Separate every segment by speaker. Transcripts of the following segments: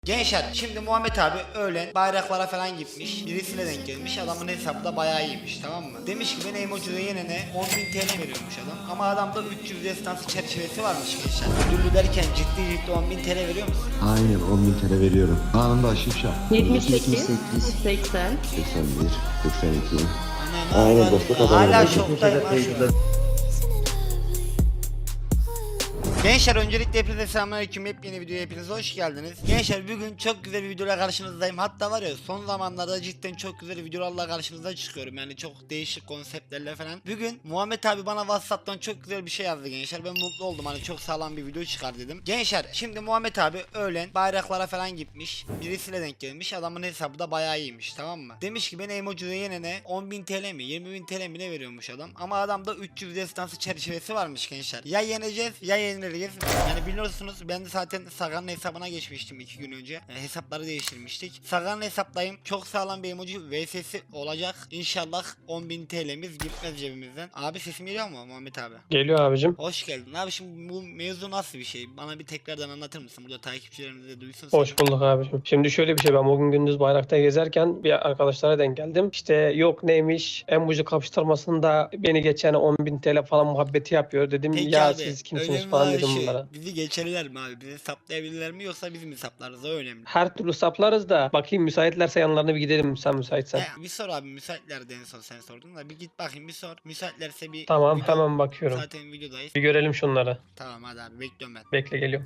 Speaker 1: Gençler şimdi Muhammed abi öğlen bayraklara falan gitmiş. Birisiyle denk gelmiş. Adamın hesabı da bayağı iyiymiş, tamam mı? Demiş ki ben emoji'de yenene 10.000 TL veriyormuş adam. Ama adamda 300 destansı çerçevesi varmış gençler. Ödüllü derken ciddi 10.000 TL veriyor musun?
Speaker 2: Aynen 10.000 TL veriyorum. Anında aşık şap.
Speaker 3: 78, 80,
Speaker 2: 81, 82.
Speaker 1: Aynen dostluk hala şoktayım ha şu an. Gençler öncelikle hepinize selamünaleyküm. Yepyeni videoya hepiniz hoş geldiniz. Gençler bugün çok güzel bir videoyla karşınızdayım. Hatta var ya son zamanlarda cidden çok güzel videolarla karşınıza çıkıyorum. Yani çok değişik konseptlerle falan. Bugün Muhammed abi bana WhatsApp'tan çok güzel bir şey yazdı gençler. Ben mutlu oldum, hani çok sağlam bir video çıkar dedim. Gençler şimdi Muhammed abi öğlen bayraklara falan gitmiş. Birisiyle denk gelmiş. Adamın hesabı da bayağı iyiymiş, tamam mı? Demiş ki ben emoji'de yenene 10.000 TL mi 20.000 TL mi ne veriyormuş adam. Ama adamda 300 destansı çerçevesi varmış gençler. Ya yeneceğiz ya yeniliriz. Yani biliyorsunuz ben de zaten Sagan'ın hesabına geçmiştim 2 gün önce. Hesapları değiştirmiştik. Sagan'ın hesaptayım. Çok sağlam bir emoji VS'si olacak. İnşallah 10.000 TL'miz gitmez cebimizden. Abi sesim geliyor mu Muhammed abi?
Speaker 4: Geliyor abicim.
Speaker 1: Hoş geldin. Abi şimdi bu mevzu nasıl bir şey? Bana bir tekrardan anlatır mısın? Burada takipçilerimiz de duysun.
Speaker 4: Hoş bulduk abicim. Şimdi şöyle bir şey, ben bugün gündüz bayrakta gezerken bir arkadaşlara denk geldim. İşte yok neymiş emoji kapıştırmasında beni geçen 10.000 TL falan muhabbeti yapıyor. Dedim
Speaker 1: Peki
Speaker 4: ya
Speaker 1: abi,
Speaker 4: siz kimsiniz
Speaker 1: önemli
Speaker 4: falan
Speaker 1: olan
Speaker 4: dedim
Speaker 1: şu,
Speaker 4: bunlara.
Speaker 1: bizi geçerler mi abi? Bizi saplayabilirler mi yoksa biz mi saplarız? O önemli.
Speaker 4: Her türlü saplarız da bakayım, müsaitlerse yanlarına bir gidelim sen müsaitsen.
Speaker 1: Bir sor abi, müsaitlerdi en son sen sordun da bir git bakayım bir sor. Müsaitlerse bir
Speaker 4: Tamam
Speaker 1: video-
Speaker 4: hemen bakıyorum.
Speaker 1: Zaten videodayız.
Speaker 4: Bir görelim şunları.
Speaker 1: Tamam hadi abi bekliyorum ben.
Speaker 4: Bekle, geliyorum.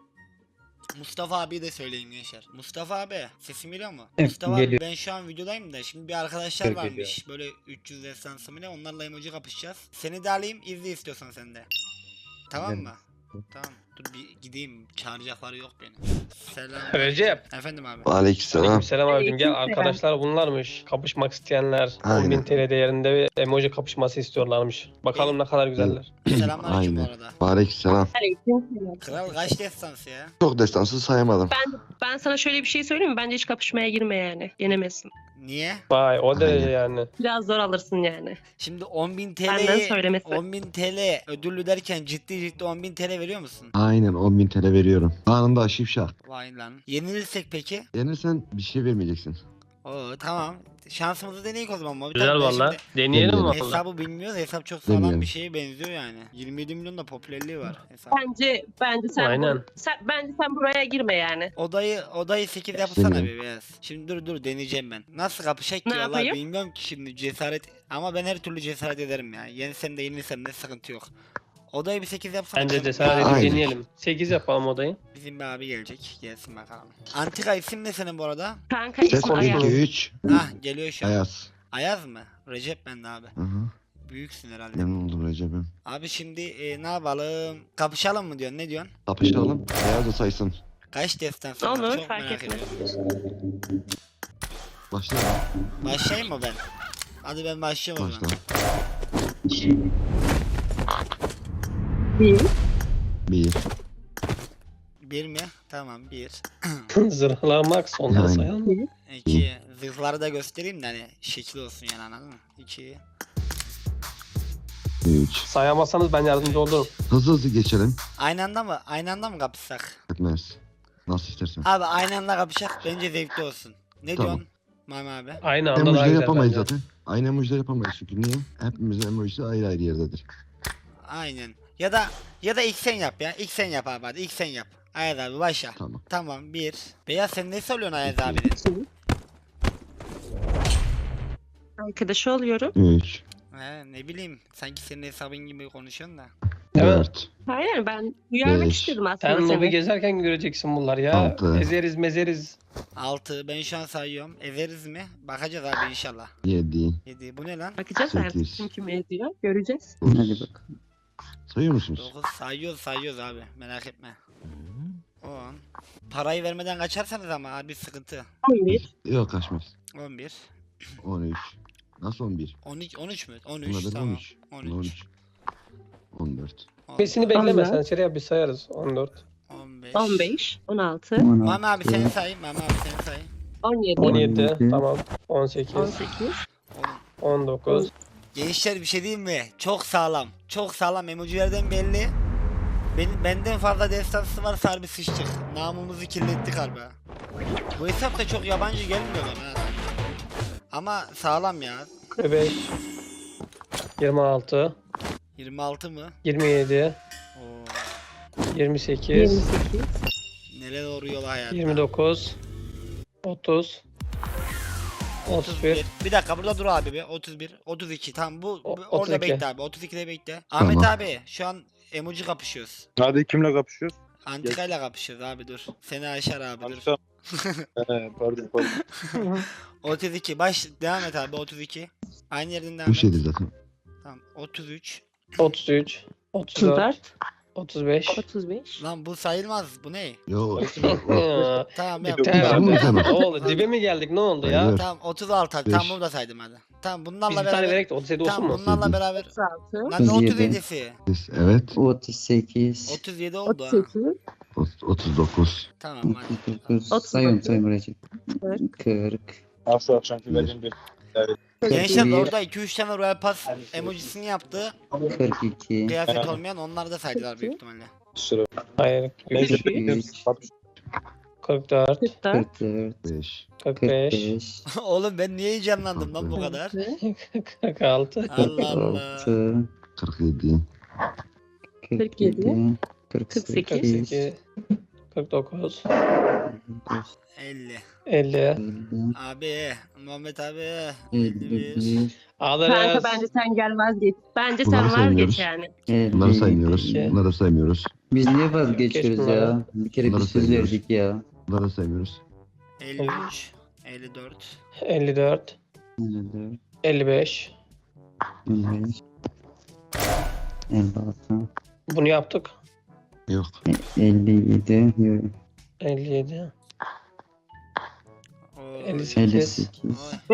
Speaker 1: Mustafa abi de söyleyeyim gençler. Mustafa abi sesim geliyor mu?
Speaker 5: Evet,
Speaker 1: Mustafa abi
Speaker 5: geliyor.
Speaker 1: ben şu an videodayım da şimdi bir arkadaşlar
Speaker 5: Evet,
Speaker 1: varmış. Böyle 300 destansı mı ne, onlarla emoji kapışacağız. Seni de alayım, izle istiyorsan sen de. Tamam
Speaker 5: Gidelim.
Speaker 1: mı? Tamam. Dur bir gideyim. Çağıracakları yok beni. Selam.
Speaker 4: Recep.
Speaker 1: Efendim abi.
Speaker 2: Aleykümselam.
Speaker 4: Aleykümselam abicim, gel
Speaker 3: Aleykümselam.
Speaker 4: arkadaşlar bunlarmış. Kapışmak isteyenler
Speaker 2: Aynen.
Speaker 4: 10.000 TL değerinde bir emoji kapışması istiyorlarmış. Bakalım ne kadar güzeller.
Speaker 1: Selamünaleyküm bu
Speaker 2: Aynen.
Speaker 1: arada.
Speaker 2: Aleykümselam.
Speaker 3: aleykümselam.
Speaker 1: Kral kaç destansı ya?
Speaker 2: Çok destansı sayamadım.
Speaker 3: Ben sana şöyle bir şey söyleyeyim mi? Bence hiç kapışmaya girme yani. Yenemezsin.
Speaker 1: Niye?
Speaker 4: Vay o derece
Speaker 2: Aynen.
Speaker 4: yani.
Speaker 3: Biraz zor alırsın yani.
Speaker 1: Şimdi 10.000
Speaker 3: Benden
Speaker 1: TL'yi
Speaker 3: söylemesi.
Speaker 1: 10.000 TL ödüllü derken ciddi 10.000 TL veriyor musun?
Speaker 2: Aynen 10.000 TL veriyorum. Anında aşık şap.
Speaker 1: Vay lan. Yenilirsek peki?
Speaker 2: Yenirsen bir şey vermeyeceksin.
Speaker 1: Oo tamam. Şansımızı deneyik o zaman. Tabii
Speaker 4: Güzel
Speaker 1: ben
Speaker 4: valla.
Speaker 1: şimdi
Speaker 4: Deneyelim
Speaker 2: Deneyelim.
Speaker 4: valla.
Speaker 1: hesabı bilmiyoruz. Hesap çok sağlam
Speaker 2: Deneyelim.
Speaker 1: bir şeye benziyor yani. 27 milyon da popülerliği var hesap.
Speaker 3: Bence sen
Speaker 4: Aynen.
Speaker 3: bence sen buraya girme yani.
Speaker 1: Odayı 8 yapsana
Speaker 2: Deniyorum.
Speaker 1: bir beyaz. Şimdi dur deneyeceğim ben. Nasıl kapışacak ki
Speaker 3: Ne
Speaker 1: valla
Speaker 3: yapayım?
Speaker 1: bilmiyorum ki şimdi cesaret. Ama ben her türlü cesaret ederim ya. Yensem de yenilsem de sıkıntı yok. Odayı bir 8 yapsana.
Speaker 4: Bence
Speaker 1: çabuk.
Speaker 4: cesaret edip
Speaker 2: Aynen.
Speaker 4: deneyelim. 8 yapalım odayı.
Speaker 1: Bizim bir abi gelecek. Gelsin bakalım. Antika isim ne senin bu arada?
Speaker 3: Kanka
Speaker 2: Ses
Speaker 3: ismi Ayaz.
Speaker 2: 2-3.
Speaker 1: Geliyor şu an.
Speaker 2: Ayaz.
Speaker 1: Ayaz mı? Recep ben de abi.
Speaker 2: Hı hı.
Speaker 1: Büyüksün herhalde.
Speaker 2: Memnun oldum Recep'im.
Speaker 1: Abi şimdi ne yapalım? Kapışalım mı diyorsun? Ne diyorsun?
Speaker 2: Kapışalım. Ayaz da saysın.
Speaker 1: Kaç destan
Speaker 3: Olur,
Speaker 1: Çok
Speaker 3: fark
Speaker 1: merak
Speaker 3: etmez.
Speaker 1: ediyorum.
Speaker 2: Başla.
Speaker 1: Başlayayım mı ben? Hadi ben başlıyorum o
Speaker 2: Başla.
Speaker 1: zaman.
Speaker 3: Bir.
Speaker 2: 1.
Speaker 1: Bir mi? Tamam bir.
Speaker 4: Zırhlamak sonra
Speaker 2: Yani.
Speaker 4: sayalım.
Speaker 1: İki. Zırhları da göstereyim de hani şekil olsun yani, anladın mı? İki.
Speaker 2: 3.
Speaker 4: Sayamazsanız ben yardımcı olurum.
Speaker 2: Hızlı hızlı geçelim.
Speaker 1: Aynı anda mı? Aynı anda mı kapışsak?
Speaker 2: Etmez. Nasıl istersen.
Speaker 1: Abi aynı anda kapışsak bence zevkli olsun. Ne
Speaker 2: Tamam.
Speaker 1: diyorsun? Mami abi.
Speaker 4: Aynı anda daha
Speaker 2: Emojileri
Speaker 4: güzel
Speaker 2: yapamayız
Speaker 4: bence.
Speaker 2: zaten. Aynı emojileri yapamayız çünkü niye? Hepimizin emojisi ayrı ayrı yerdedir.
Speaker 1: Aynen. Ya da ilk sen yap ya. İlk sen yap abi hadi. İlk sen yap. Ayaz abi başla.
Speaker 2: Tamam.
Speaker 1: Tamam bir. Beyaz sen ne söylüyorsun Ayaz
Speaker 2: İki.
Speaker 1: abinin?
Speaker 3: Arkadaşı oluyorum.
Speaker 2: 3.
Speaker 1: Ne bileyim. Sanki senin hesabın gibi konuşuyorsun da.
Speaker 4: Evet.
Speaker 2: 4.
Speaker 3: Aynen ben uyarmak
Speaker 2: Beş.
Speaker 3: istedim aslında
Speaker 4: Sen lobi
Speaker 3: seni.
Speaker 4: gezerken göreceksin bunlar ya.
Speaker 2: Altı.
Speaker 4: Ezeriz mezeriz.
Speaker 1: 6. Ben şu an sayıyorum. Ezeriz mi? Bakacağız abi inşallah.
Speaker 2: 7.
Speaker 1: 7. Bu ne lan?
Speaker 3: Bakacağız artık
Speaker 2: Sekiz.
Speaker 3: kim kimi ediyor. Göreceğiz.
Speaker 2: Hadi bak. Sayıyor musunuz?
Speaker 1: 9. Sayıyoruz abi. Merak etme. 10. Parayı vermeden kaçarsanız ama abi sıkıntı.
Speaker 3: 11.
Speaker 2: Yok kaçmaz.
Speaker 1: 11.
Speaker 2: 13. Nasıl 11?
Speaker 1: 13 mü? 13
Speaker 2: Bunlar da
Speaker 1: tamam.
Speaker 2: 13.
Speaker 1: 13.
Speaker 2: 13. 14.
Speaker 4: Besini bekleme
Speaker 3: Allah.
Speaker 4: sen, şuraya bir sayarız. 14.
Speaker 1: 15.
Speaker 3: 15. 16.
Speaker 1: Mami abi sen say. Mami abi sen say.
Speaker 3: 17.
Speaker 4: 17 tamam. 18.
Speaker 3: 18.
Speaker 4: 19.
Speaker 1: Gençler bir şey diyeyim mi? Çok sağlam. Çok sağlam. Emojilerden belli. Benden fazla destansı varsa harbi sıçtık. Namımızı kirlettik harbi. Ha. Bu hesap da çok yabancı gelmiyor bana. Ha. Ama sağlam ya.
Speaker 4: 5 26
Speaker 1: 26 mı?
Speaker 4: 27
Speaker 1: Oo.
Speaker 4: 28
Speaker 3: 28.
Speaker 1: Neler oluyor hayatta.
Speaker 4: 29 30 31
Speaker 1: Bir dakika burada dur abi bir. 31, 32 tamam bu
Speaker 4: O-
Speaker 1: orada
Speaker 4: 32.
Speaker 1: bekle abi. 32'de bekle. Ahmet
Speaker 2: Tamam.
Speaker 1: abi şu an emoji kapışıyoruz.
Speaker 5: Hadi kimle kapışıyoruz?
Speaker 1: Antikayla kapışıyoruz abi dur. Seni aşar abi dur.
Speaker 5: Antika. Pardon.
Speaker 1: 32 devam et abi 32. Aynı yerden devam
Speaker 2: Bu
Speaker 1: et.
Speaker 2: şeydi zaten.
Speaker 1: Tamam 33.
Speaker 4: 33 34
Speaker 3: 34.
Speaker 4: 35
Speaker 3: 35.
Speaker 1: Lan bu sayılmaz bu ne?
Speaker 2: Yo.
Speaker 1: Tamam yap.
Speaker 4: Bitti
Speaker 2: Tamam,
Speaker 4: herhalde.
Speaker 2: tamam.
Speaker 4: Ne oldu? Dibe mi geldik? Ne oldu ya?
Speaker 2: Hayır.
Speaker 1: Tamam 36 hadi.
Speaker 2: Beş.
Speaker 1: Tamam bunu da saydım hadi. Tamam
Speaker 4: Biz
Speaker 1: bunlarla
Speaker 4: bir tane
Speaker 1: beraber.
Speaker 4: verek de 37 olsun
Speaker 1: Tamam
Speaker 4: mu?
Speaker 1: bunlarla beraber.
Speaker 3: 36.
Speaker 1: Lan ne
Speaker 6: 37.
Speaker 1: 37'si?
Speaker 2: Evet.
Speaker 6: 38,
Speaker 1: 37 oldu ha.
Speaker 3: 38.
Speaker 2: 39.
Speaker 1: Tamam hadi.
Speaker 6: 39, sayıyorum Recep. 40,
Speaker 5: Şu akşamki verdiğim bir.
Speaker 1: Gençler
Speaker 6: 41,
Speaker 1: orada 2-3 tane Royal Pass emojisini yaptı.
Speaker 6: 42,
Speaker 1: Kıyafet olmayan onlar da saydılar büyük ihtimalle.
Speaker 5: Sıra.
Speaker 4: Hayır.
Speaker 6: 43,
Speaker 4: 44
Speaker 3: 44.
Speaker 6: 44,
Speaker 2: 5.
Speaker 4: 45
Speaker 6: 45,
Speaker 1: Oğlum ben niye heyecanlandım lan bu kadar?
Speaker 4: 46
Speaker 1: Allah Allah.
Speaker 6: 46,
Speaker 2: 47.
Speaker 6: 47,
Speaker 3: 48,
Speaker 6: 48,
Speaker 4: 49
Speaker 1: 50.
Speaker 4: 50
Speaker 6: 50,
Speaker 1: Abi Muhammed abi.
Speaker 6: 51,
Speaker 3: Kanka
Speaker 4: Alırız.
Speaker 3: bence sen gel vazgeç. Bence
Speaker 2: Bunları
Speaker 3: sen
Speaker 2: saymıyoruz.
Speaker 3: vazgeç yani.
Speaker 2: Bunları
Speaker 6: 50.
Speaker 2: saymıyoruz.
Speaker 4: İki.
Speaker 2: Bunları saymıyoruz.
Speaker 6: Biz niye vazgeçiyoruz
Speaker 4: Bunları.
Speaker 6: ya? Bir kere
Speaker 2: Bunları
Speaker 6: biz söz
Speaker 2: sayıyoruz.
Speaker 6: verdik ya.
Speaker 2: Bunları saymıyoruz.
Speaker 1: 53. 54.
Speaker 4: 54
Speaker 6: 54,
Speaker 4: 55
Speaker 6: 55, 56,
Speaker 4: Bunu yaptık.
Speaker 2: Yok.
Speaker 6: 57,
Speaker 4: 57
Speaker 1: Oo.
Speaker 4: 58
Speaker 6: 58,
Speaker 1: Oy.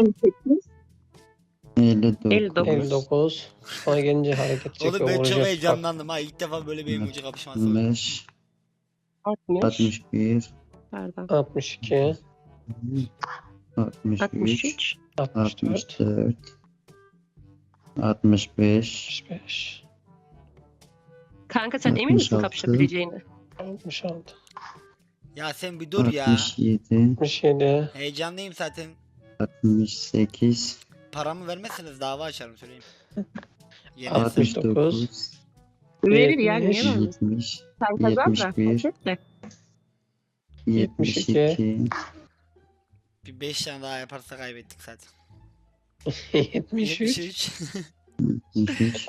Speaker 3: 58.
Speaker 6: 59,
Speaker 4: 59 Sonra gelince hareket çekiyor.
Speaker 1: Oğlum ben çok
Speaker 4: vuracak.
Speaker 1: heyecanlandım ha. İlk defa böyle bir emoji kapışması oldu.
Speaker 6: 65,
Speaker 3: 60.
Speaker 6: 61,
Speaker 3: Pardon.
Speaker 4: 62
Speaker 6: 63,
Speaker 3: 63.
Speaker 4: 64
Speaker 6: 64, 65,
Speaker 4: 65
Speaker 3: Kanka sen emin misin
Speaker 6: 66.
Speaker 3: kapışabileceğini?
Speaker 4: 66
Speaker 1: Ya sen bir dur ya.
Speaker 6: 67,
Speaker 4: 67
Speaker 1: Heyecanlıyım zaten.
Speaker 6: 68,
Speaker 1: Paramı vermezseniz dava açarım söyleyeyim. Yener.
Speaker 6: 69,
Speaker 3: Verir ya niye
Speaker 4: 70.
Speaker 3: vermez?
Speaker 6: 70,
Speaker 3: Sen kazan da.
Speaker 6: 71.
Speaker 3: hak et de.
Speaker 6: 72,
Speaker 1: Bir 5 tane daha yaparsa kaybettik zaten.
Speaker 4: 73
Speaker 1: 73.
Speaker 6: 73,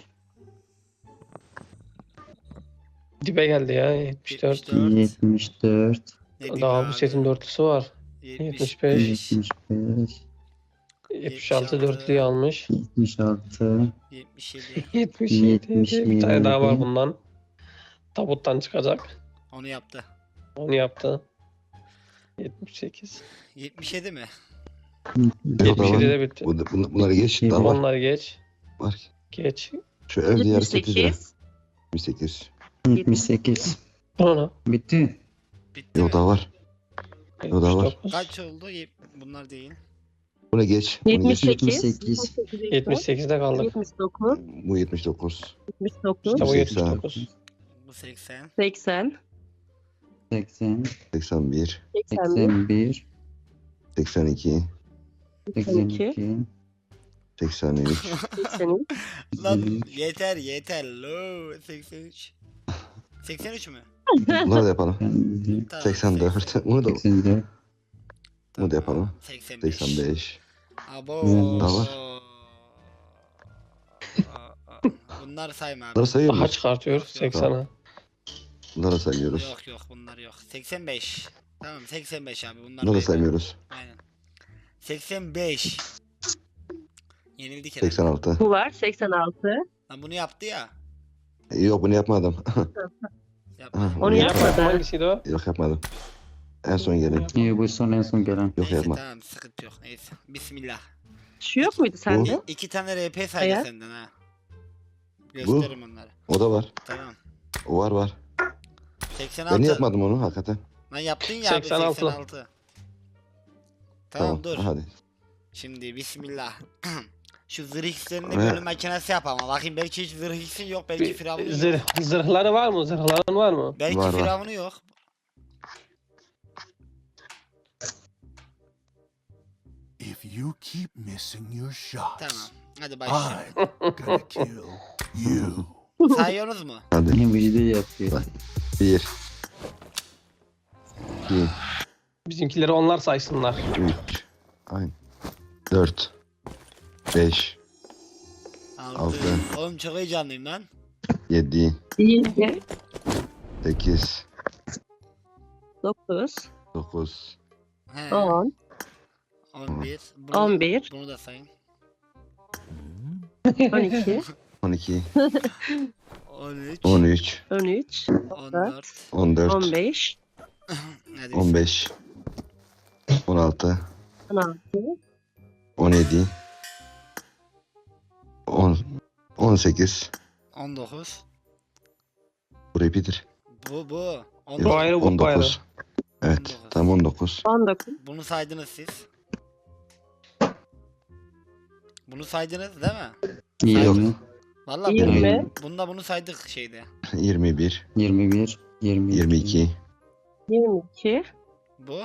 Speaker 4: Dibe geldi ya 74
Speaker 6: 74,
Speaker 1: Ne diyeyim
Speaker 4: Daha
Speaker 1: abi?
Speaker 4: bu setin dörtlüsü var 75
Speaker 6: 75,
Speaker 4: 76 dörtlüyü almış
Speaker 6: 76,
Speaker 1: 77.
Speaker 4: 77 bir tane daha var
Speaker 6: 77.
Speaker 4: bundan tabuttan çıkacak
Speaker 1: Onu yaptı.
Speaker 4: onu yaptı 78
Speaker 1: 77 mi?
Speaker 2: Yok
Speaker 4: 77
Speaker 2: da
Speaker 4: de bitti
Speaker 2: bunları geç. Daha var.
Speaker 4: onları geç
Speaker 2: Var.
Speaker 4: geç
Speaker 2: Şu evde yarı 8 lira.
Speaker 3: 78.
Speaker 2: 78.
Speaker 6: 78.
Speaker 4: onu
Speaker 6: Bitti.
Speaker 1: Bitti
Speaker 2: Yok
Speaker 1: mi?
Speaker 2: daha var. O da var.
Speaker 4: 79
Speaker 1: Kaç oldu? Bunlar değil.
Speaker 2: Buna geç. Bunu geç.
Speaker 3: 78.
Speaker 6: 78.
Speaker 4: 78'de kaldık
Speaker 3: 79.
Speaker 2: Bu 79.
Speaker 3: 79.
Speaker 4: işte bu
Speaker 2: 80.
Speaker 4: 79
Speaker 1: Bu 80.
Speaker 3: 80.
Speaker 6: 80,
Speaker 2: 81.
Speaker 3: 81.
Speaker 6: 81,
Speaker 2: 82.
Speaker 6: 82,
Speaker 2: 83.
Speaker 3: 83.
Speaker 1: Lan
Speaker 6: 83.
Speaker 1: yeter. Lo 83. 83 mü?
Speaker 2: Bunları da yapalım.
Speaker 1: Tamam,
Speaker 2: 84. Bunu da
Speaker 6: 84,
Speaker 2: bunu da yapalım.
Speaker 1: 85.
Speaker 2: 85.
Speaker 1: Abo.
Speaker 6: Daha
Speaker 2: var.
Speaker 1: Bunlar sayma abi.
Speaker 2: Bunları sayıyor
Speaker 4: daha
Speaker 2: muyuz?
Speaker 4: çıkartıyor 80'a
Speaker 2: Bunları saymıyoruz.
Speaker 1: Yok bunlar yok. 85. Tamam 85 abi bunlar.
Speaker 2: Bunları
Speaker 1: belli.
Speaker 2: saymıyoruz.
Speaker 1: Aynen. 85. Yenildik herhalde.
Speaker 2: 86.
Speaker 3: Bu var 86.
Speaker 1: Lan bunu yaptı ya.
Speaker 2: Yok bunu yapmadım.
Speaker 1: Yapma.
Speaker 3: Onu
Speaker 4: yapmadım
Speaker 3: yapmadı.
Speaker 4: hangisiydi o?
Speaker 2: Yok yapmadım. En son gelin.
Speaker 6: İyi bu son en son gelen.
Speaker 2: Yok
Speaker 1: Neyse
Speaker 2: yapma.
Speaker 1: tamam sıkıntı yok. Neyse. Bismillah.
Speaker 3: Şu yok muydu sende?
Speaker 1: 2 tane RP saydı
Speaker 3: Eğer?
Speaker 1: senden ha. Gösteririm onları.
Speaker 2: O da var.
Speaker 1: Tamam.
Speaker 2: O var.
Speaker 1: 86.
Speaker 2: Ben niye yapmadım onu hakikaten?
Speaker 1: Lan yaptın ya
Speaker 4: 86.
Speaker 1: abi 86. Tamam dur.
Speaker 2: Hadi.
Speaker 1: Şimdi bismillah. Şu zırh hislerini
Speaker 2: Ne?
Speaker 1: bölüm makinesi yap ama. Bakayım belki hiç zırh hissin yok. Belki firavunu yok.
Speaker 4: Zırhları var mı? Zırhların var mı?
Speaker 1: Belki
Speaker 2: Var, var.
Speaker 1: firavunu yok.
Speaker 7: If you keep missing your shots,
Speaker 1: Tamam. Hadi başlayalım.
Speaker 7: I'm gonna kill you.
Speaker 1: Sayıyorsunuz mu?
Speaker 2: Hadi.
Speaker 6: Yine video yapıyor.
Speaker 2: 1 2
Speaker 4: Bizimkileri onlar saysınlar.
Speaker 2: 3 Aynen. 4 5
Speaker 1: 6.
Speaker 2: Altı.
Speaker 1: Oğlum çok heyecanlıyım lan.
Speaker 2: 7
Speaker 3: 7,
Speaker 2: 8
Speaker 3: 9,
Speaker 2: 9
Speaker 1: He.
Speaker 3: 10,
Speaker 1: 11. Bunu,
Speaker 3: 11,
Speaker 1: Bunu da sayın.
Speaker 3: 12,
Speaker 2: 12
Speaker 1: 13.
Speaker 2: 13
Speaker 3: 13,
Speaker 1: 14.
Speaker 2: 14
Speaker 3: 15,
Speaker 1: Hadi
Speaker 2: 15 16
Speaker 3: 16,
Speaker 2: 17 10 18
Speaker 1: 19.
Speaker 2: Burayı bitir.
Speaker 1: Bu.
Speaker 2: Yok,
Speaker 1: 19.
Speaker 4: ayrı, bu
Speaker 2: 19 Evet
Speaker 1: 19.
Speaker 2: tam 19
Speaker 3: 19,
Speaker 1: Bunu saydınız siz. Bunu saydınız değil mi?
Speaker 6: 20,
Speaker 1: Vallahi
Speaker 3: 20,
Speaker 1: bunda bunu saydık şeyde.
Speaker 2: 21
Speaker 6: 21, 22,
Speaker 2: 22
Speaker 3: 22,
Speaker 1: Bu.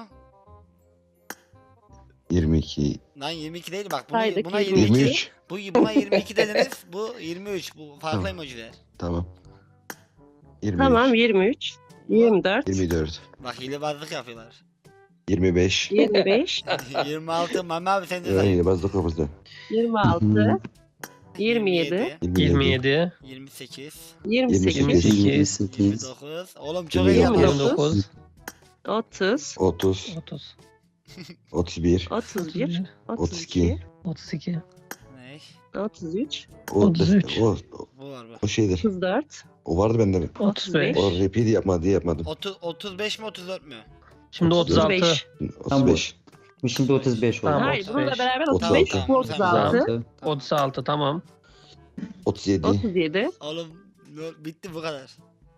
Speaker 2: 22
Speaker 1: Lan 22 değil bak. Buna,
Speaker 3: Saydık,
Speaker 1: buna
Speaker 3: 22.
Speaker 1: 22.
Speaker 2: 23
Speaker 1: Buna 22 dediniz. Bu 23. Bu farklı
Speaker 2: Tamam.
Speaker 1: emojiler.
Speaker 2: Tamam 23
Speaker 3: tamam 23, 24,
Speaker 2: 24
Speaker 1: Bak hilebazlık yapıyorlar.
Speaker 2: 25
Speaker 3: 25,
Speaker 1: 26. Mami abi sen de
Speaker 2: Yani
Speaker 1: say.
Speaker 2: bazı kapısı
Speaker 3: 26, 27,
Speaker 4: 27,
Speaker 1: 28.
Speaker 3: 28,
Speaker 6: 28,
Speaker 1: 29. Oğlum çok
Speaker 2: 29.
Speaker 1: heyecanlıyım.
Speaker 4: 29,
Speaker 3: 30,
Speaker 2: 30
Speaker 4: 30,
Speaker 2: 31
Speaker 3: 31,
Speaker 2: 32
Speaker 3: 32,
Speaker 4: 32,
Speaker 1: Ne?
Speaker 3: 33,
Speaker 4: 33.
Speaker 1: Bu var bu.
Speaker 2: O şeydir.
Speaker 3: 34,
Speaker 2: O vardı bende.
Speaker 4: 35.
Speaker 2: O repeat yapmadı diye yapmadım.
Speaker 1: 35 mi 34 mü?
Speaker 4: Şimdi 36.
Speaker 3: 35.
Speaker 2: 35
Speaker 6: Bu şimdi 35 oldu.
Speaker 4: Tamam.
Speaker 3: Hayır bununla
Speaker 4: 35.
Speaker 3: beraber
Speaker 2: 36.
Speaker 3: 35, bu 36,
Speaker 6: 36.
Speaker 4: 36 tamam.
Speaker 2: 37
Speaker 3: 37,
Speaker 1: Oğlum bitti bu kadar.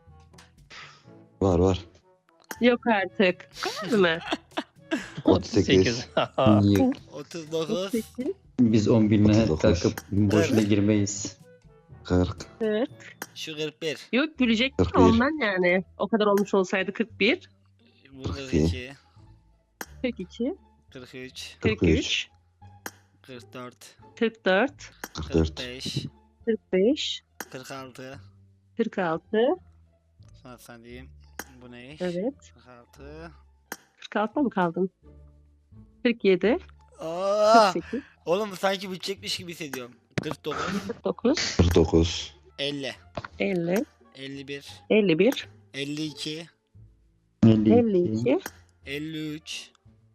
Speaker 2: var.
Speaker 3: yok artık. Değil mi?
Speaker 2: 38
Speaker 6: Yok.
Speaker 1: 39.
Speaker 3: 38,
Speaker 6: Biz 10 binle
Speaker 2: 39.
Speaker 6: kalkıp boşuna girmeyiz.
Speaker 2: 40
Speaker 3: 40.
Speaker 1: Şu 41.
Speaker 3: Yok gülecek
Speaker 2: 41.
Speaker 3: ondan yani. O kadar olmuş olsaydı 41,
Speaker 1: Bu
Speaker 2: 42.
Speaker 1: 42.
Speaker 3: 42,
Speaker 1: 43.
Speaker 3: 43,
Speaker 1: 44.
Speaker 3: 44,
Speaker 2: 44
Speaker 1: 45.
Speaker 3: 45,
Speaker 1: 46.
Speaker 3: 46.
Speaker 1: Sonra sen diyeyim. Bu ne?
Speaker 3: Evet.
Speaker 1: 46.
Speaker 3: 46'da mı kaldın? 47,
Speaker 1: Aa!
Speaker 3: 48,
Speaker 1: Oğlum bu sanki bitecekmiş gibi hissediyorum. 49.
Speaker 3: 49,
Speaker 2: 49
Speaker 1: 50.
Speaker 3: 50,
Speaker 1: 51.
Speaker 3: 51,
Speaker 1: 52.
Speaker 3: 52,
Speaker 1: 53.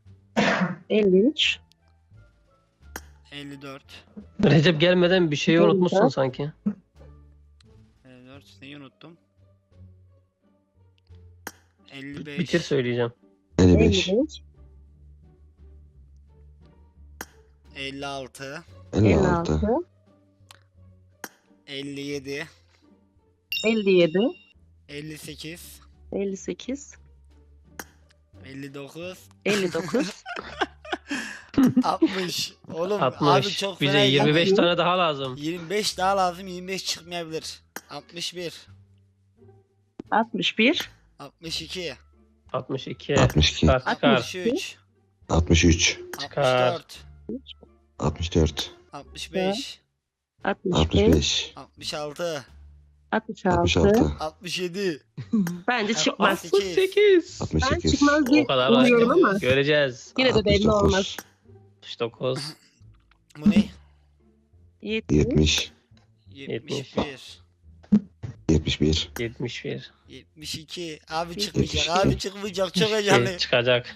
Speaker 3: 53,
Speaker 1: 54.
Speaker 4: Recep gelmeden bir şeyi unutmuşsun sanki.
Speaker 1: 54. Neyi unuttum? 55.
Speaker 4: Bitir söyleyeceğim.
Speaker 2: 55
Speaker 3: 55,
Speaker 1: 56.
Speaker 2: 56
Speaker 3: 56,
Speaker 1: 57.
Speaker 3: 57,
Speaker 1: 58.
Speaker 3: 58,
Speaker 1: 59.
Speaker 3: 59,
Speaker 1: 60. Oğlum
Speaker 4: 60.
Speaker 1: abi çok
Speaker 4: Bize
Speaker 1: fena
Speaker 4: 25
Speaker 1: yani.
Speaker 4: tane daha lazım.
Speaker 1: 25 daha lazım. 25 çıkmayabilir. 61.
Speaker 3: 61,
Speaker 1: 62.
Speaker 4: 62.
Speaker 2: 62
Speaker 4: Çıkar çıkar.
Speaker 1: 63.
Speaker 2: 63
Speaker 1: 64.
Speaker 2: 64
Speaker 1: 65.
Speaker 3: 65,
Speaker 2: 65
Speaker 1: 66.
Speaker 3: 66.
Speaker 2: 66
Speaker 1: 67.
Speaker 3: Bence çıkmaz.
Speaker 1: 68.
Speaker 4: 68.
Speaker 3: Ben
Speaker 2: 68
Speaker 3: çıkmaz diye
Speaker 4: O kadar
Speaker 3: umuyorum
Speaker 4: var.
Speaker 3: ama
Speaker 4: Göreceğiz.
Speaker 3: yine de belli
Speaker 2: 69
Speaker 3: olmaz.
Speaker 4: 69.
Speaker 1: Bu ne?
Speaker 3: 70,
Speaker 2: 70
Speaker 1: 71.
Speaker 2: 71
Speaker 4: 71.
Speaker 1: 72. Abi çıkmayacak. Abi çıkmayacak. Çok heyecanlıyım.
Speaker 4: Çıkacak.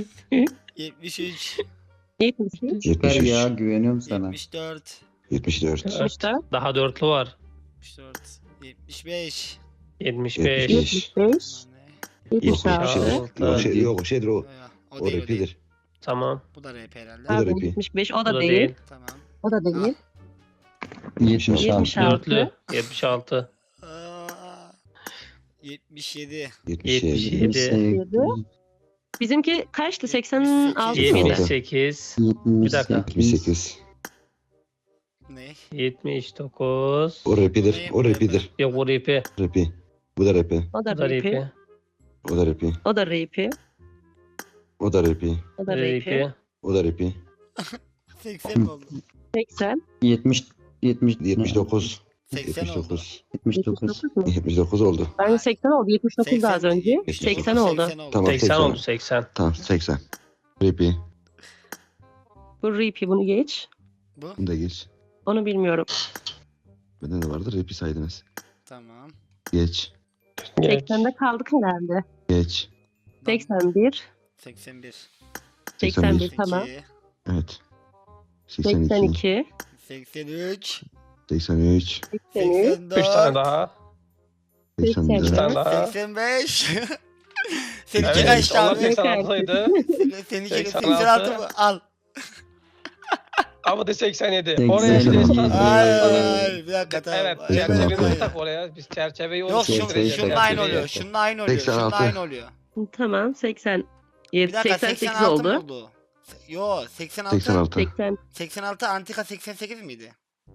Speaker 1: 73.
Speaker 3: 73,
Speaker 6: Çıkar ya
Speaker 2: 73
Speaker 6: güveniyorum sana.
Speaker 1: 74.
Speaker 2: 74
Speaker 3: 74,
Speaker 4: Daha dörtlü var.
Speaker 1: 74. 75.
Speaker 4: 75.
Speaker 2: 75.
Speaker 3: 75,
Speaker 1: Lan ne?
Speaker 2: Yok o
Speaker 3: 76,
Speaker 2: şeydir.
Speaker 4: Altı.
Speaker 2: Yok şey yok o şeydir o.
Speaker 1: O
Speaker 2: O
Speaker 1: değil o değil.
Speaker 2: repeat'dir.
Speaker 4: Tamam.
Speaker 1: Bu da rap herhalde.
Speaker 2: Bu da
Speaker 3: pardon,
Speaker 2: rapi.
Speaker 3: 75 o
Speaker 4: Bu
Speaker 3: da
Speaker 4: da
Speaker 3: değil.
Speaker 4: değil.
Speaker 1: Tamam.
Speaker 3: O da değil.
Speaker 6: 76.
Speaker 3: 76.
Speaker 4: Dörtlü. 76.
Speaker 1: Aa, 77.
Speaker 2: 77
Speaker 4: 77.
Speaker 3: Bizimki kaçtı? 86 mıydı?
Speaker 1: 78.
Speaker 4: 78. Bir dakika.
Speaker 2: 78
Speaker 1: Ne?
Speaker 4: 79.
Speaker 2: O rapidir. O rapidir.
Speaker 4: Yok bu rapi.
Speaker 2: Rapi. Bu da rapi.
Speaker 3: O da
Speaker 4: Bu da
Speaker 3: rapi.
Speaker 4: rapi.
Speaker 2: O da rapi.
Speaker 3: O da rapi.
Speaker 2: O da rapi.
Speaker 3: O da rapi.
Speaker 4: Rapi.
Speaker 2: O da rapi.
Speaker 1: 80 mi oldu?
Speaker 3: 80.
Speaker 6: 70
Speaker 2: 79.
Speaker 1: 80 oldu.
Speaker 2: 79.
Speaker 6: 79.
Speaker 3: 79 mu?
Speaker 2: 79 oldu.
Speaker 3: Bence 80 oldu. 79 da az önce. 80 oldu.
Speaker 1: 80 oldu.
Speaker 2: Tamam.
Speaker 4: 80 oldu 80.
Speaker 2: Tamam 80. Rapi.
Speaker 3: Bu rapi, bunu geç.
Speaker 1: Bu?
Speaker 2: Bunu da geç.
Speaker 3: Onu bilmiyorum.
Speaker 2: Bende de vardı. Rapi saydınız.
Speaker 1: Tamam.
Speaker 2: Geç.
Speaker 4: Geç.
Speaker 3: 80'de kaldık herhalde.
Speaker 2: Geç.
Speaker 3: 81.
Speaker 1: 81.
Speaker 3: 81 tamam.
Speaker 1: 82.
Speaker 2: Evet. 82.
Speaker 3: 82.
Speaker 1: 83.
Speaker 2: 83.
Speaker 3: 83.
Speaker 4: 3 tane daha.
Speaker 2: 84.
Speaker 4: 3 tane daha.
Speaker 1: 85. Seninki
Speaker 4: Evet,
Speaker 1: kaçtı
Speaker 4: onlar
Speaker 1: abi?
Speaker 4: 86'ydı.
Speaker 1: Seninki
Speaker 4: 86.
Speaker 1: 86 mı? Al.
Speaker 4: Ama da 87.
Speaker 6: 87.
Speaker 4: Oraya bir de
Speaker 1: Ay, bir dakika tamam.
Speaker 4: Evet,
Speaker 1: Hemen
Speaker 4: çerçeveyi
Speaker 1: yapayım.
Speaker 4: tak oraya. Biz çerçeveyi
Speaker 1: Yok
Speaker 6: Şey,
Speaker 1: şunun aynı oluyor. Şunun aynı oluyor. Şunun
Speaker 2: 86.
Speaker 1: aynı oluyor.
Speaker 3: Tamam 87.
Speaker 1: Bir dakika
Speaker 3: 88
Speaker 1: 86 mı
Speaker 3: oldu.
Speaker 1: oldu? Yo 86.
Speaker 2: 86.
Speaker 3: 80.
Speaker 1: 86 Antika 88 miydi?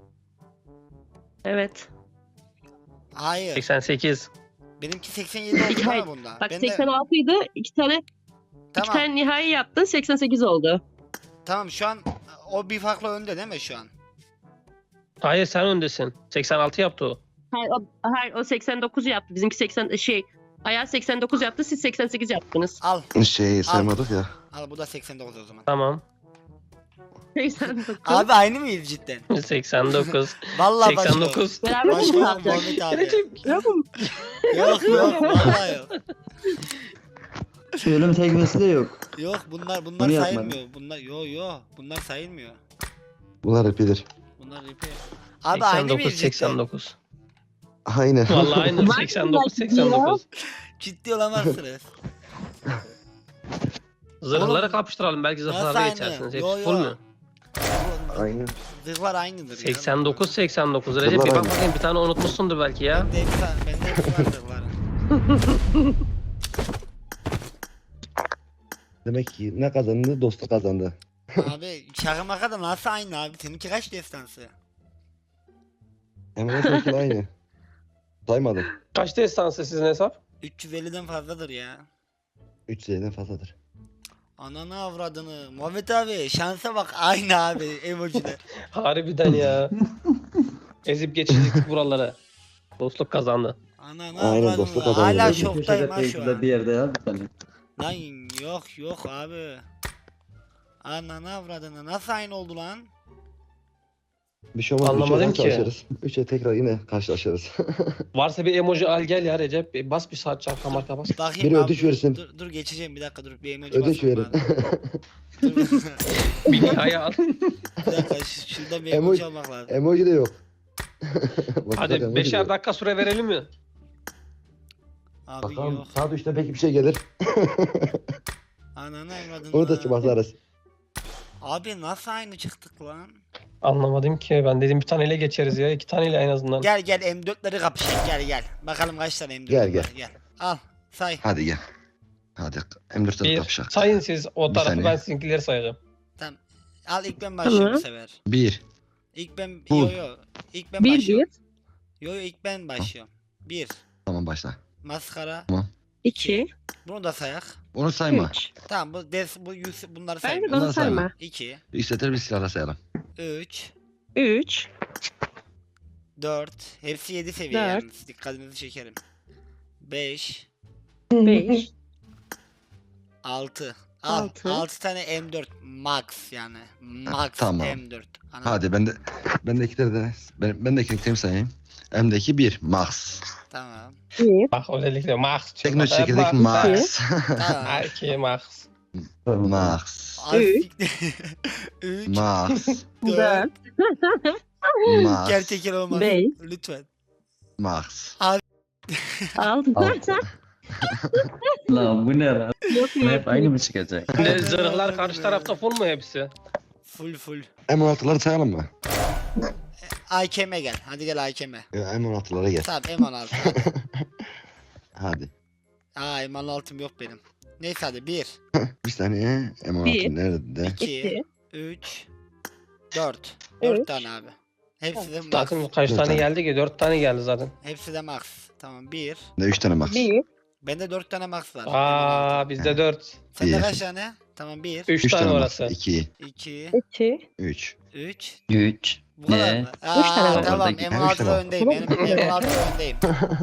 Speaker 3: Evet.
Speaker 1: Hayır.
Speaker 4: 88.
Speaker 1: Benimki 87 oldu
Speaker 3: Hayır,
Speaker 1: ama bunda.
Speaker 3: Bak
Speaker 1: Ben de-
Speaker 3: 86 idi. İki tane
Speaker 1: Tamam.
Speaker 3: nihai yaptın. 88 oldu.
Speaker 1: Tamam şu an o bir farklı önde değil mi şu an?
Speaker 4: Hayır sen öndesin. 86 yaptı o.
Speaker 3: Hayır o 89 yaptı. Bizimki 80 Ayaz 89 yaptı. Siz 88 yaptınız.
Speaker 1: Al.
Speaker 2: Saymadık ya.
Speaker 1: Al bu da 89 o zaman.
Speaker 4: Tamam.
Speaker 3: 89.
Speaker 1: Abi aynı mıyız cidden?
Speaker 4: 89.
Speaker 1: Vallahi başka.
Speaker 4: 89.
Speaker 3: Beraber mi
Speaker 1: Başka yok
Speaker 3: kaldık?
Speaker 1: Muhammed abi.
Speaker 4: Recep,
Speaker 3: Yok mu?
Speaker 1: Yok yok vallahi yok.
Speaker 6: Ölüm tekmesi de yok.
Speaker 1: Yok bunlar
Speaker 6: Bunu yapmadım.
Speaker 1: sayılmıyor. Bunlar bunlar sayılmıyor.
Speaker 2: Bunlar rapidir.
Speaker 1: Bunlar ipi. Abi aynı
Speaker 4: 89
Speaker 1: mıyız cidden?
Speaker 4: 89.
Speaker 2: Aynen.
Speaker 4: Vallahi aynı
Speaker 3: Var
Speaker 4: 89
Speaker 3: mı
Speaker 4: 89.
Speaker 1: Ciddi olamazsınız.
Speaker 4: Zırhları kapıştıralım belki
Speaker 1: Nasıl
Speaker 4: zırhlarda
Speaker 1: aynı?
Speaker 4: geçersiniz.
Speaker 1: Yo,
Speaker 4: Hepsi full
Speaker 1: yo.
Speaker 4: mü?
Speaker 2: Aynen.
Speaker 1: Zırhlar aynıdır. ya.
Speaker 4: 89 89. Recep bir
Speaker 2: Zırhlar
Speaker 4: bak
Speaker 2: aynı.
Speaker 4: bakayım bir tane unutmuşsundur belki ya.
Speaker 1: Bende hepsi var zırhların.
Speaker 2: Demek ki ne kazandı? Dostu kazandı.
Speaker 1: Abi şaka maka da nasıl aynı abi? Seninki kaç destansı?
Speaker 2: Hemen hepsi aynı. Saymadım.
Speaker 4: Kaç destansı sizin hesap?
Speaker 1: 350'den fazladır ya.
Speaker 2: 300'den fazladır.
Speaker 1: Ananı avradını. Muhammed abi şansa bak aynı abi emojiler.
Speaker 4: Harbiden ya. Ezip geçecektik buraları. Dostluk kazandı.
Speaker 1: Ananı
Speaker 2: Aynen,
Speaker 1: avradını.
Speaker 2: dostluk kazandı.
Speaker 1: Hala
Speaker 2: Köşede
Speaker 1: şoktayım ha şu
Speaker 6: Köşede
Speaker 1: an.
Speaker 6: bir yerde ya bir tane.
Speaker 1: Lan yok abi. Ananı avradını. Nasıl aynı oldu lan?
Speaker 2: Bir şey olmaz.
Speaker 4: Anlamadım ki.
Speaker 2: Karşılaşırız. 3'e tekrar yine karşılaşırız.
Speaker 4: Varsa bir emoji al gel ya Recep. Bas bir saat çarka marka bas.
Speaker 1: Bakayım
Speaker 2: Biri
Speaker 1: abi,
Speaker 2: ödünç
Speaker 1: dur,
Speaker 2: versin.
Speaker 1: Dur geçeceğim bir dakika dur bir emoji
Speaker 2: Ödünç
Speaker 1: basmam
Speaker 2: verin.
Speaker 1: lazım. Dur,
Speaker 4: Bir nihai al.
Speaker 1: bir dakika şurada bir
Speaker 2: Emoji-
Speaker 1: emoji almak lazım.
Speaker 2: Emoji de yok. Bak,
Speaker 4: Hadi
Speaker 2: emoji de
Speaker 4: 5'er
Speaker 2: yok.
Speaker 4: dakika süre verelim mi?
Speaker 1: Abi
Speaker 2: Bakalım
Speaker 1: yok.
Speaker 2: saat 3'te belki bir şey gelir.
Speaker 1: Ananı avradını.
Speaker 2: Onu da basarız.
Speaker 1: Abi nasıl aynı çıktık lan?
Speaker 4: Anlamadım ki. Ben dedim bir taneyle geçeriz ya. 2 taneyle en azından.
Speaker 1: Gel M4'leri kapışalım gel. Bakalım kaç tane M4
Speaker 2: Gel,
Speaker 1: var gel. Al say.
Speaker 2: Hadi gel. Hadi M4'te
Speaker 4: Bir
Speaker 2: kapışak.
Speaker 4: sayın siz o
Speaker 2: Bir
Speaker 4: tarafı
Speaker 2: saniye.
Speaker 4: ben sizinkileri sayacağım.
Speaker 1: Tamam. Al ilk ben başlıyorum bu
Speaker 3: Tamam.
Speaker 1: sefer.
Speaker 2: 1.
Speaker 1: İlk ben
Speaker 2: Bu.
Speaker 1: yo. İlk ben
Speaker 3: 1
Speaker 1: başlıyorum.
Speaker 3: 1
Speaker 1: Yo ilk ben başlıyorum. 1.
Speaker 2: Tamam başla.
Speaker 1: Maskara.
Speaker 3: 2
Speaker 1: Bunu da sayak.
Speaker 2: Onu sayma.
Speaker 3: 3.
Speaker 1: Tamam bunları
Speaker 3: Bence
Speaker 1: saymıyorum.
Speaker 3: bunu
Speaker 2: Bunları sayma.
Speaker 3: sayma.
Speaker 1: 2,
Speaker 2: İstetir bir silahla sayalım.
Speaker 1: 3,
Speaker 3: 3
Speaker 1: 4. Hepsi 7 seviye
Speaker 3: Dört.
Speaker 1: yalnız. Dikkatinizi çekerim. 5,
Speaker 3: 5
Speaker 1: 6.
Speaker 3: Altı.
Speaker 1: 6 tane M4 max yani. Max
Speaker 2: Tamam.
Speaker 1: M4. Anladın?
Speaker 2: Hadi ben de iki tane de ben de iki sayayım. M'deki 1 Max.
Speaker 1: Tamam.
Speaker 3: 1
Speaker 4: Bak özellikle Max.
Speaker 2: Tekno çekirdek Max.
Speaker 1: Tamam.
Speaker 4: Erkeği Max.
Speaker 2: Max.
Speaker 1: 3,
Speaker 2: Max.
Speaker 1: 4.
Speaker 3: 4
Speaker 2: Max.
Speaker 1: Gerçekten olmaz.
Speaker 3: Beş.
Speaker 1: Lütfen.
Speaker 2: Max.
Speaker 3: 6
Speaker 2: 6.
Speaker 6: Lan bu ne lan?
Speaker 3: Yok
Speaker 6: Hep
Speaker 3: yok.
Speaker 6: aynı mı çıkacak?
Speaker 4: Ne zırhlar karşı tarafta full mu hepsi?
Speaker 1: Full.
Speaker 2: M16'ları sayalım mı?
Speaker 1: AKM'e gel. Hadi gel AKM'e.
Speaker 2: M16'lara gel.
Speaker 1: Tamam M16.
Speaker 2: Hadi.
Speaker 1: Aa M16'm yok benim. Neyse hadi 1,
Speaker 2: Bir saniye. M16
Speaker 3: Bir.
Speaker 2: nerede?
Speaker 1: 2,
Speaker 3: 2
Speaker 1: 3, 4. 4
Speaker 3: Üç.
Speaker 1: tane abi. Hepsi de max.
Speaker 4: Zaten kaç
Speaker 2: Dört
Speaker 4: tane
Speaker 2: tane.
Speaker 4: geldi ki? 4 tane geldi zaten.
Speaker 1: Hepsi de max. Tamam 1.
Speaker 2: Ne 3 tane max.
Speaker 3: Bir.
Speaker 1: Bende 4 tane max var.
Speaker 4: Aa bizde 4.
Speaker 1: Sende
Speaker 2: Bir.
Speaker 1: kaç tane? Tamam 1,
Speaker 4: 3
Speaker 2: 3
Speaker 4: tane
Speaker 2: tane max.
Speaker 4: orası.
Speaker 2: 2,
Speaker 1: 2,
Speaker 3: 2.
Speaker 2: 3.
Speaker 1: 3.
Speaker 6: 3.
Speaker 1: Bu kadar
Speaker 6: Ne?
Speaker 1: mı?
Speaker 3: Üç tane var.
Speaker 1: Tamam
Speaker 6: Oradaki-
Speaker 2: Üç
Speaker 1: M16'da
Speaker 2: tane var.
Speaker 1: öndeyim. Benim M16'da öndeyim.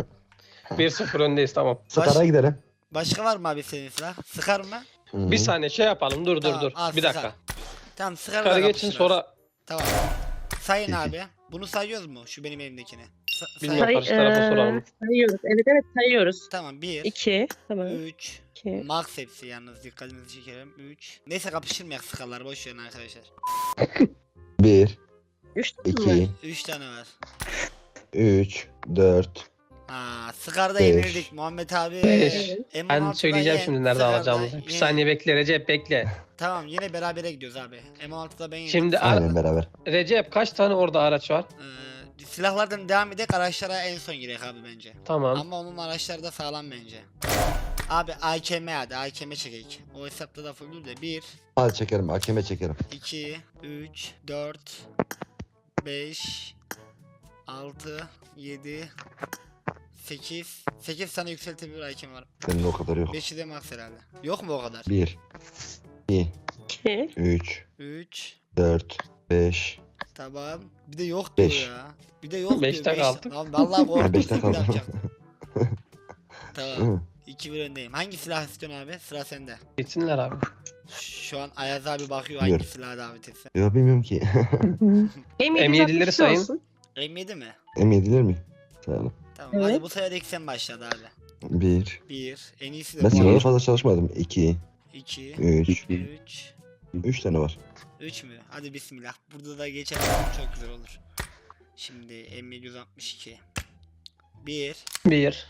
Speaker 4: 1-0 öndeyiz tamam.
Speaker 2: Sıkara gidelim.
Speaker 1: Başka var mı abi senin silah? Sıkar mı?
Speaker 2: Hı.
Speaker 4: Bir saniye şey yapalım dur
Speaker 1: Tamam,
Speaker 4: dur.
Speaker 1: al,
Speaker 4: Bir dakika.
Speaker 1: sıkar. Tamam sıkar
Speaker 4: Yukarı geçin sonra
Speaker 1: Tamam. Sayın
Speaker 2: Peki.
Speaker 1: abi. Bunu sayıyoruz mu? Şu benim elimdekini.
Speaker 4: Bilmiyorum. Karşı tarafa soralım.
Speaker 3: Sayıyoruz. Evet sayıyoruz.
Speaker 1: Tamam 1,
Speaker 3: 2. Tamam.
Speaker 1: 3.
Speaker 3: 2.
Speaker 1: Max hepsi yalnız dikkatinizi çekerim. 3. Neyse kapıştırmayak sıkarlar boş verin arkadaşlar.
Speaker 2: 1,
Speaker 3: 3.
Speaker 2: 2,
Speaker 1: 3 tane var.
Speaker 2: 3, 4.
Speaker 1: Sıkarda
Speaker 2: Beş.
Speaker 1: yenildik Muhammed abi.
Speaker 4: Beş.
Speaker 1: M16'da
Speaker 4: Ben söyleyeceğim
Speaker 1: yen,
Speaker 4: şimdi nerede
Speaker 1: Sıkarda
Speaker 4: alacağımızı. Bir
Speaker 1: yen.
Speaker 4: saniye bekle Recep bekle.
Speaker 1: Tamam yine berabere gidiyoruz abi. M16'da ben yendim.
Speaker 4: Şimdi
Speaker 2: Aynen beraber.
Speaker 4: Recep kaç tane orada araç var?
Speaker 1: Silahlardan devam edek araçlara en son girek abi bence.
Speaker 4: Tamam.
Speaker 1: Ama onun araçları da sağlam bence. Abi AKM hadi AKM çekek. O hesapta da full de 1,
Speaker 2: Al çekerim. Hakeme çekerim.
Speaker 1: 2, 3, 4, 5, 6, 7, 8. 8 tane yükseltebilir AKM var.
Speaker 2: Benim de o kadar yok.
Speaker 1: 5'i de max herhalde. Yok mu o kadar?
Speaker 2: 1, 2,
Speaker 3: 2.
Speaker 2: 3,
Speaker 1: 3.
Speaker 2: 4, 5.
Speaker 1: Tamam. Bir de yok diyor
Speaker 2: Beş.
Speaker 1: ya. Bir de yok
Speaker 4: Beşte
Speaker 1: diyor.
Speaker 4: kaldık.
Speaker 1: Lan vallahi korktum.
Speaker 2: Beşte
Speaker 1: bir
Speaker 2: kaldım.
Speaker 1: yapacaktım. Tamam. 2-1 öndeyim. Hangi silah istiyorsun abi? Sıra sende.
Speaker 4: Gitsinler abi.
Speaker 1: Şu an Ayaz abi bakıyor
Speaker 2: Buyur.
Speaker 1: hangi silahı davet etse.
Speaker 2: Yok bilmiyorum ki.
Speaker 4: M7'leri sayın.
Speaker 3: Olsun.
Speaker 1: M7 mi?
Speaker 2: M7'ler mi? Sayalım.
Speaker 1: Tamam
Speaker 3: Evet.
Speaker 1: hadi bu sefer ilk sen başladı abi.
Speaker 2: 1.
Speaker 1: 1. En iyisi de
Speaker 2: Ben
Speaker 1: bu.
Speaker 2: silahla fazla çalışmadım. 2,
Speaker 1: 2.
Speaker 2: 3.
Speaker 1: 3.
Speaker 2: 3 tane var.
Speaker 1: 3 mü? Hadi bismillah. Burada da geçer. Çok güzel olur. Şimdi M762. 1.
Speaker 4: 1,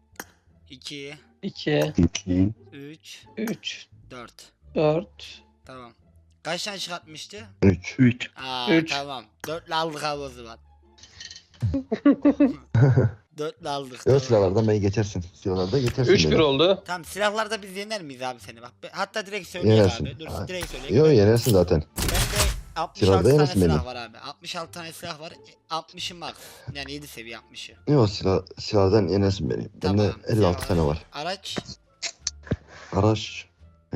Speaker 1: 2.
Speaker 4: 2,
Speaker 2: 2,
Speaker 1: 3.
Speaker 4: 3,
Speaker 1: 4.
Speaker 4: 4.
Speaker 1: Tamam. Kaç tane çıkartmıştı?
Speaker 2: 3.
Speaker 6: 3.
Speaker 4: Üç.
Speaker 1: Tamam. 4'le aldık abi o zaman. 4'le aldık.
Speaker 2: Yok
Speaker 1: Tamam.
Speaker 2: silahlardan beni geçersin. Silahlarda geçersin
Speaker 4: 3-1
Speaker 2: beni.
Speaker 4: oldu.
Speaker 1: Tamam silahlarda biz yener miyiz abi seni bak. Hatta direkt söyleyeyim
Speaker 2: Yenersin.
Speaker 1: abi. Dur
Speaker 2: Ha.
Speaker 1: direkt söyleyeyim.
Speaker 2: Yok yenersin zaten.
Speaker 1: Bende 66
Speaker 2: Silahlarda
Speaker 1: tane
Speaker 2: yenersin
Speaker 1: silah
Speaker 2: beni.
Speaker 1: var abi. 66 tane silah var. 60'ı max. Yani 7 seviye 60'ı.
Speaker 2: Yok silahdan yenersin beni. Bende
Speaker 1: Tamam,
Speaker 2: 56
Speaker 1: silah
Speaker 2: tane var.
Speaker 1: Araç.
Speaker 2: Araç.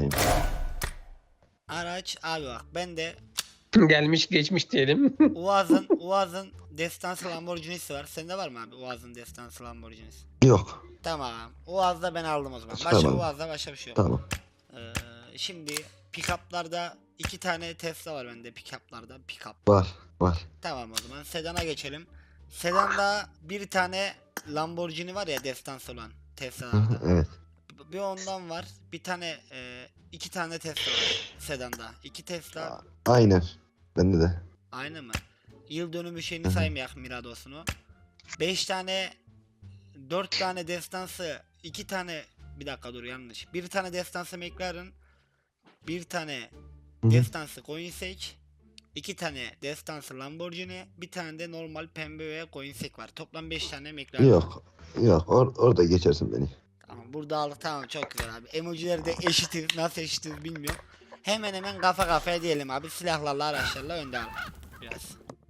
Speaker 1: Araç abi bak bende
Speaker 4: Gelmiş geçmiş diyelim.
Speaker 1: Uaz'ın Destansı Lamborghini'si var. Sende var mı abi Uaz'ın Destansı Lamborghini'si?
Speaker 2: Yok.
Speaker 1: Tamam. Uaz'da ben aldım o zaman. Başka
Speaker 2: Tamam.
Speaker 1: Uaz'da başka bir şey yok.
Speaker 2: Tamam.
Speaker 1: Şimdi pick-up'larda 2 tane Tesla var bende pick-up'larda. Pick-up.
Speaker 2: Var.
Speaker 1: Tamam o zaman sedana geçelim. Sedanda bir tane Lamborghini var ya destans olan
Speaker 2: Hı
Speaker 1: Tesla'larda.
Speaker 2: hı, evet.
Speaker 1: Bir ondan var. Bir tane 2 tane Tesla var sedanda. 2 Tesla
Speaker 2: Aynen. Bende de.
Speaker 1: aynı mı? Yıl dönümü şeyini
Speaker 2: Hı hı.
Speaker 1: saymayak Mirados'unu. 5 tane 4 tane destansı 2 tane bir dakika dur yanlış. Bir tane destansı McLaren, bir tane
Speaker 2: Hı hı.
Speaker 1: destansı Koenigsegg, 2 tane destansı Lamborghini, bir tane de normal pembe ve Koenigsegg var. Toplam 5 tane McLaren.
Speaker 2: Yok. Orada geçersin beni.
Speaker 1: Tamam burada aldık tamam çok güzel abi. Emojileri de eşitiz nasıl eşitiz bilmiyorum. Hemen hemen kafa kafaya diyelim abi silahlarla araçlarla önde abi. Biraz.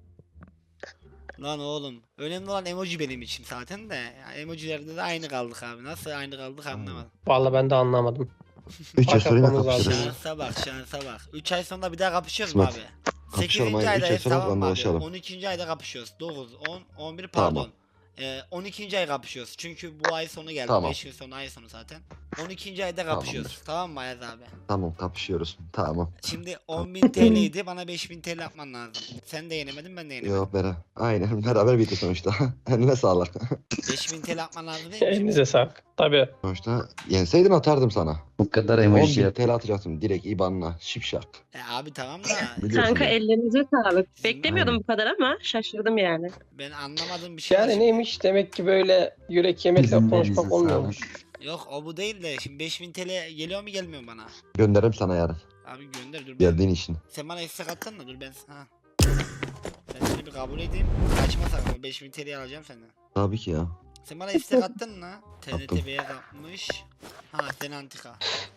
Speaker 1: Lan oğlum önemli olan emoji benim için zaten de. Yani emojilerde de aynı kaldık abi. Nasıl aynı kaldık anlamadım.
Speaker 4: Vallahi ben de anlamadım.
Speaker 2: 3 ay sonra yine
Speaker 4: Kapatmamız lazım.
Speaker 2: kapışırız.
Speaker 1: Şansa bak. 3 ay sonra bir daha kapışıyoruz mu
Speaker 2: Kısmet.
Speaker 1: abi?
Speaker 2: Kapışalım
Speaker 1: 8.
Speaker 2: aynen. 3 ay
Speaker 1: aydayız
Speaker 2: sonra
Speaker 1: tamam mı abi?
Speaker 2: anlaşalım.
Speaker 1: 12. ayda kapışıyoruz. 9, 10, 11
Speaker 2: Tamam.
Speaker 1: pardon. 12. ay kapışıyoruz. Çünkü bu ay sonu geldi.
Speaker 2: Tamam.
Speaker 1: 5 gün sonra ay sonu zaten. 12. ayda kapışıyoruz.
Speaker 2: Tamamdır.
Speaker 1: Tamam mı Ayaz abi?
Speaker 2: Tamam kapışıyoruz. Tamam.
Speaker 1: Şimdi 10.000 TL'ydi. Bana 5.000 TL yapman lazım. Sen de yenemedin ben de yenemedim.
Speaker 2: Yok aynen. Beraber bitti sonuçta. Eline sağlık.
Speaker 1: 5.000 TL yapman lazım değil mi?
Speaker 4: Elinize sağlık. Tabii.
Speaker 2: Sonuçta yenseydin atardım sana.
Speaker 6: Bu kadar
Speaker 2: 10
Speaker 6: emoji
Speaker 2: bin
Speaker 6: yap.
Speaker 2: TL atacaktım direkt IBAN'la. Şipşak.
Speaker 1: Abi tamam da
Speaker 2: Biliyorsun
Speaker 3: Kanka
Speaker 2: beni.
Speaker 3: ellerinize sağlık.
Speaker 1: Bizim-
Speaker 3: Beklemiyordum
Speaker 2: Aynen.
Speaker 3: bu kadar ama şaşırdım yani.
Speaker 1: ben anlamadığım bir şey var.
Speaker 4: Yani
Speaker 1: şimdi.
Speaker 4: neymiş demek ki böyle yürek yemekle
Speaker 6: Bizim
Speaker 4: konuşmak
Speaker 6: elinize
Speaker 4: olmuyormuş.
Speaker 1: Yok o bu değil de şimdi 5.000 TL geliyor mu gelmiyor mu bana?
Speaker 2: Gönderirim sana yarın.
Speaker 1: Abi gönder dur. Ben,
Speaker 2: Geldiğin için.
Speaker 1: sen bana istek attın mı? Dur ben ha. Ben seni bir kabul edeyim. Kaçma sakın o 5.000 TL'yi alacağım senden.
Speaker 2: Tabii ki ya.
Speaker 1: Sen bana istek attın mı? TNT
Speaker 2: Attım.
Speaker 1: beyaz atmış. Ha sen antika.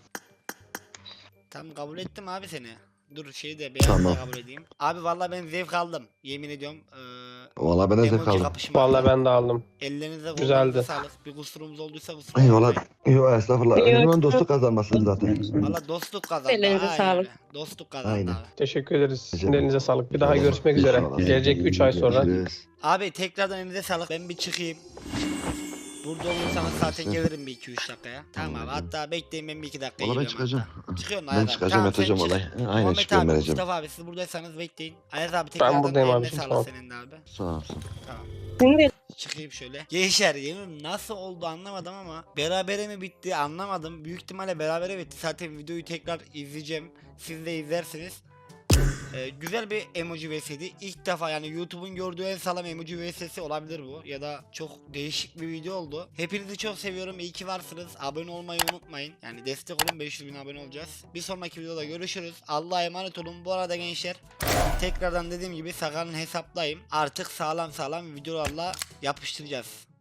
Speaker 1: Tamam kabul ettim abi seni. Dur şeyi de beyaz
Speaker 2: Tamam.
Speaker 1: da kabul edeyim. Abi vallahi ben zevk aldım. Yemin ediyorum.
Speaker 2: Valla ben de zevk
Speaker 1: Emoji
Speaker 2: aldım.
Speaker 1: kapışma.
Speaker 4: Vallahi ben de aldım.
Speaker 1: Ellerinize
Speaker 4: Güzeldi.
Speaker 1: kollarınıza sağlık. Bir kusurumuz olduysa kusura
Speaker 2: Eyvallah.
Speaker 1: bakmayın.
Speaker 2: Yok estağfurullah.
Speaker 3: Yok.
Speaker 2: Önemli olan dostluk kazanması zaten.
Speaker 1: Valla dostluk kazandı.
Speaker 3: Ellerinize
Speaker 1: Aynen
Speaker 3: sağlık.
Speaker 1: öyle. Dostluk kazandı
Speaker 2: Aynen.
Speaker 1: abi.
Speaker 4: Teşekkür ederiz. Sizin
Speaker 2: Rica ederim.
Speaker 4: elinize sağlık. Bir daha görüşmek üzere.
Speaker 2: İnşallah.
Speaker 4: Gelecek 3 ay sonra.
Speaker 2: Görüşürüz.
Speaker 1: Abi tekrardan elinize sağlık. Ben bir çıkayım. Burada olursanız zaten gelirim bir 2-3 dakikaya. Tamam abi. Hatta bekleyin ben bir 2 dakika
Speaker 2: Valla ben
Speaker 1: geliyorum
Speaker 2: çıkacağım.
Speaker 1: hatta. Çıkıyorsun
Speaker 2: Ben
Speaker 1: Ayaz abi.
Speaker 2: çıkacağım
Speaker 1: Tamam,
Speaker 2: yatacağım
Speaker 1: sen çık.
Speaker 2: vallahi. Aynen
Speaker 1: Muhammed
Speaker 2: çıkıyorum
Speaker 1: abi,
Speaker 2: vereceğim.
Speaker 1: Mustafa abi siz buradaysanız bekleyin. Ayaz abi tekrardan
Speaker 4: buradayım
Speaker 1: eline
Speaker 4: abicim,
Speaker 1: sağlık
Speaker 4: tamam.
Speaker 1: senin de abi.
Speaker 2: Sağ olsun.
Speaker 1: Tamam.
Speaker 3: Şimdi
Speaker 1: Çıkayım şöyle. Gençler yemin nasıl oldu anlamadım ama berabere mi bitti anlamadım. Büyük ihtimalle berabere bitti. Zaten videoyu tekrar izleyeceğim. Siz de izlersiniz. Güzel bir emoji vs'ydi. İlk defa yani YouTube'un gördüğü en sağlam emoji vs'si olabilir bu. Ya da çok değişik bir video oldu. Hepinizi çok seviyorum. İyi ki varsınız. Abone olmayı unutmayın. Yani destek olun, 500.000 abone olacağız. Bir sonraki videoda görüşürüz. Allah'a emanet olun. Bu arada gençler tekrardan dediğim gibi Sakar'ın hesaplayım. Artık sağlam videolarla yapıştıracağız.